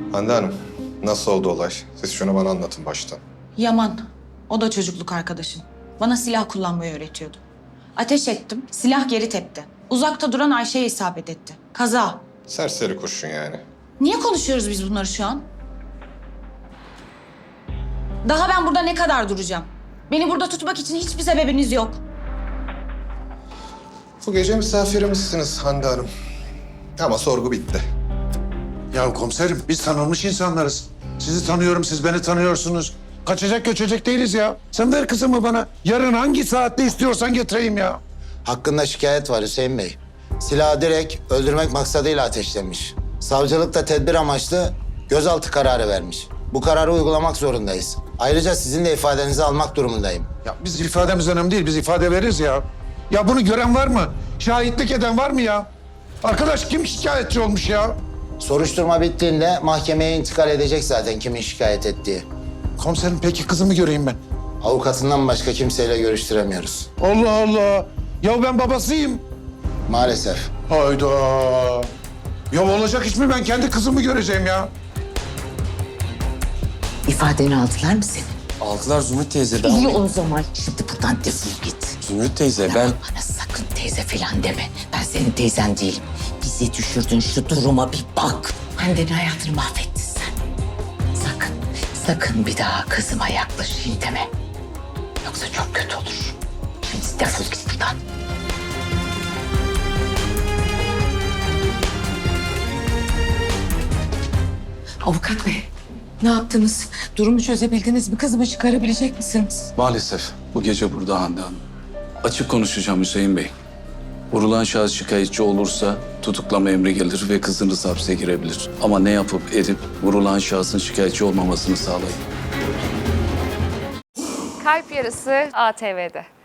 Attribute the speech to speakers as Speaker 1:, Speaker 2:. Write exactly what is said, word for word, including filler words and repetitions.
Speaker 1: Hande Hanım, nasıl oldu olay? Siz şunu bana anlatın baştan.
Speaker 2: Yaman, o da çocukluk arkadaşım. Bana silah kullanmayı öğretiyordu. Ateş ettim, silah geri tepti. Uzakta duran Ayşe'ye isabet etti. Kaza.
Speaker 1: Serseri kurşun yani.
Speaker 2: Niye konuşuyoruz biz bunları şu an? Daha ben burada ne kadar duracağım? Beni burada tutmak için hiçbir sebebiniz yok.
Speaker 1: Bu gece misafirimizsiniz Hande Hanım. Ama sorgu bitti.
Speaker 3: Ya komiserim biz tanınmış insanlarız. Sizi tanıyorum, siz beni tanıyorsunuz. Kaçacak göçecek değiliz ya. Sen ver kızımı bana. Yarın hangi saatte istiyorsan getireyim ya.
Speaker 4: Hakkında şikayet var Hüseyin Bey. Silahı direkt öldürmek maksadıyla ateşlemiş. Savcılık da tedbir amaçlı gözaltı kararı vermiş. Bu kararı uygulamak zorundayız. Ayrıca sizin de ifadenizi almak durumundayım.
Speaker 3: Ya biz ifademiz önemli değil, biz ifade veririz ya. Ya bunu gören var mı? Şahitlik eden var mı ya? Arkadaş kim şikayetçi olmuş ya?
Speaker 4: Soruşturma bittiğinde mahkemeye intikal edecek zaten kimin şikayet ettiği.
Speaker 3: Komiserim peki kızımı göreyim ben.
Speaker 4: Avukatından başka kimseyle görüştüremiyoruz.
Speaker 3: Allah Allah. Ya ben babasıyım.
Speaker 4: Maalesef.
Speaker 3: Hayda. Ya olacak iş mi? Ben kendi kızımı göreceğim ya.
Speaker 5: İfadeni aldılar mı senin?
Speaker 6: Aldılar Zümrüt teyze. Ben...
Speaker 5: İyi o zaman. Şimdi buradan defol git.
Speaker 6: Zümrüt teyze ben...
Speaker 5: Bana sakın teyze falan deme. Ben senin teyzen değilim. Bizi düşürdün şu duruma bir bak. Hande'nin hayatını mahvettin sen. Sakın, sakın bir daha kızıma yaklaşayım deme. Yoksa çok kötü olur. Şimdi defol git buradan. Avukat bey, ne yaptınız? Durumu çözebildiniz mi? Kızımı çıkarabilecek misiniz?
Speaker 7: Maalesef bu gece burada Hande Hanım. Açık konuşacağım Hüseyin Bey. Vurulan şahıs şikayetçi olursa tutuklama emri gelir ve kızınız hapse girebilir. Ama ne yapıp edip vurulan şahsın şikayetçi olmamasını sağlayın.
Speaker 8: Kalp Yarısı A T V'de.